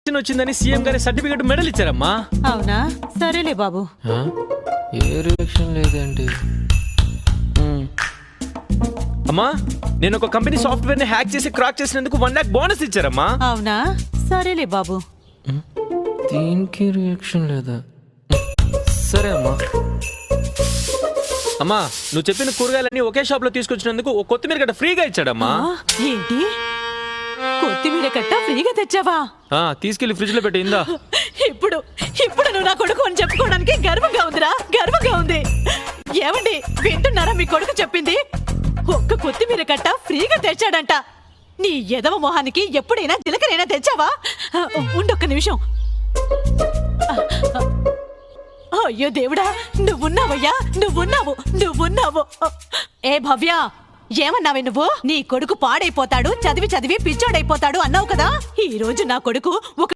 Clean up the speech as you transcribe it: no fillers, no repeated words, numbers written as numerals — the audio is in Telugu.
వచ్చిందని సీఎం గారి సర్టిఫికెట్ మెడల్ ఇచ్చారమ్మా. అవునా? సరేలే బాబు. ఏ రియాక్షన్ లేదండి. అమ్మా, నేను ఒక కంపెనీ సాఫ్ట్వేర్ ని హ్యాక్ చేసి క్రాక్ చేసినందుకు 1 lakh బోనస్ ఇచ్చారమ్మా. అవునా? సరేలే బాబు. దీనికి రియాక్షన్ లేదా? సరే అమ్మా. అమ్మా, నువ్వు చెప్పిన కూరగాయలన్నీ ఒకే షాప్ లో తీసుకొచ్చినందుకు ఒక కొత్తిమీర గడ్డ ఫ్రీగా ఇచ్చాడమ్మా. ఏంటి? కొత్తిమీర కట్ట ఫ్రీగా తెచ్చావా? తీసుకెళ్లి ఫ్రిడ్జ్ లో పెట్టిందా. ఇప్పుడు ఇప్పుడు నువ్వు నా కొడుకు అని చెప్పుకోవడానికి గర్వంగా ఉందిరా, గర్వంగా ఉంది. ఏమండి, వింటున్నారా మీ కొడుకు చెప్పింది? ఒక్క కొత్తిమీర కట్ట ఫ్రీగా తెచ్చాడంట. నీ ఎదవ మొహానికి ఎప్పుడైనా జీలకరైనా తెచ్చావా? ఉండొక్క నిమిషం. అయ్యో దేవుడా, నువ్వున్నావయ్యా, నువ్వున్నావు. ఏ భవ్య, ఏమన్నావే నువ్వు? నీ కొడుకు పాడైపోతాడు, చదివి చదివి పిచ్చోడైపోతాడు అన్నావు కదా. ఈ రోజు నా కొడుకు ఒక